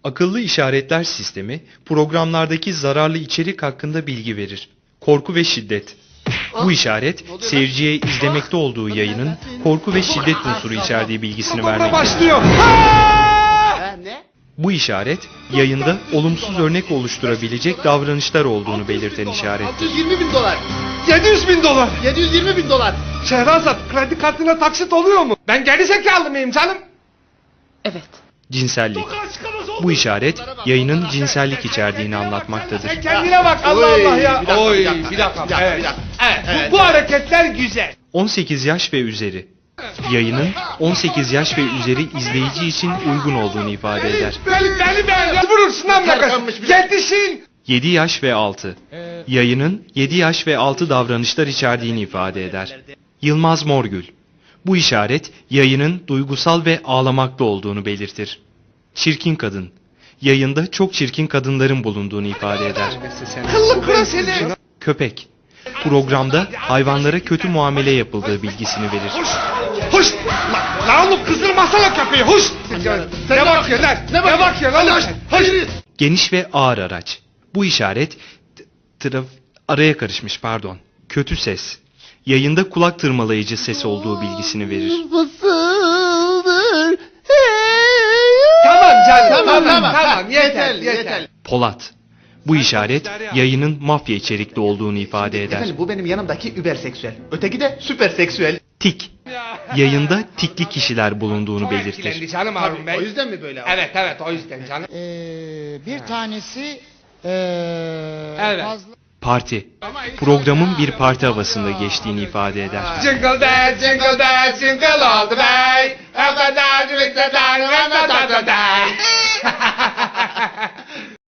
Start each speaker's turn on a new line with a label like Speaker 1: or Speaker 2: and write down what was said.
Speaker 1: Akıllı işaretler sistemi programlardaki zararlı içerik hakkında bilgi verir. Korku ve şiddet. Bu işaret seyirciye izlemekte olduğu yayının korku ve şiddet unsuru içerdiği bilgisini vermektedir.
Speaker 2: Başlıyor.
Speaker 3: Ne?
Speaker 1: Bu işaret yayında olumsuz örnek oluşturabilecek davranışlar olduğunu belirten işarettir.
Speaker 3: 620 bin dolar.
Speaker 2: 700 bin dolar.
Speaker 3: 720 bin dolar.
Speaker 2: Şehrazat, kredi kartına taksit oluyor mu? Ben geri zekalı mıyım canım?
Speaker 4: Evet.
Speaker 1: Cinsellik. Bu işaret yayının cinsellik içerdiğini anlatmaktadır.
Speaker 2: Sen kendine bak Allah
Speaker 3: Oy,
Speaker 2: Allah ya.
Speaker 3: bir dakika,
Speaker 2: Oy,
Speaker 3: bir dakika,
Speaker 2: bir dakika.
Speaker 3: bir dakika,
Speaker 2: Evet.
Speaker 3: bir dakika.
Speaker 2: Evet,
Speaker 3: Evet.
Speaker 2: bu hareketler güzel.
Speaker 1: 18 yaş ve üzeri. Yayının 18 yaş ve üzeri izleyici için uygun olduğunu ifade eder.
Speaker 2: Beni vurursun lan
Speaker 3: Terkanmış bir-
Speaker 2: Yetişin.
Speaker 1: 7 yaş ve altı. Yayının 7 yaş ve altı davranışlar içerdiğini ifade eder. Yılmaz Morgül. Bu işaret yayının duygusal ve ağlamakta olduğunu belirtir. Çirkin kadın. Yayında çok çirkin kadınların bulunduğunu ifade eder.
Speaker 2: Kıllı kura seni.
Speaker 1: Köpek. Programda hayvanlara kötü muamele yapıldığı bilgisini verir.
Speaker 2: Hoş. Lan oğlum kızdırmasana köpeği. Hoş. Ne bakıyorsun lan? Ne bakıyorsun lan? Hoş.
Speaker 1: Geniş ve ağır araç. Bu işaret araya karışmış pardon. Kötü ses. Yayında kulak tırmalayıcı ses olduğu bilgisini verir.
Speaker 3: Fısıldır.
Speaker 2: Tamam canım.
Speaker 3: Tamam.
Speaker 2: Yeter.
Speaker 1: Polat. Bu işaret yayının mafya içerikli olduğunu ifade eder.
Speaker 3: Efendim bu benim yanımdaki überseksüel. Öteki de süperseksüel.
Speaker 1: Tik. Yayında tikli kişiler bulunduğunu
Speaker 2: Etkilendi
Speaker 1: belirtir.
Speaker 2: canım Harun Bey.
Speaker 3: O yüzden mi böyle?
Speaker 2: Evet o yüzden canım.
Speaker 5: Bir tanesi
Speaker 2: Evet.
Speaker 5: fazla
Speaker 1: Parti. Programın bir parti havasında geçtiğini ifade eder.
Speaker 2: Jingle jingle all the way. Have a nice day, have a nice day.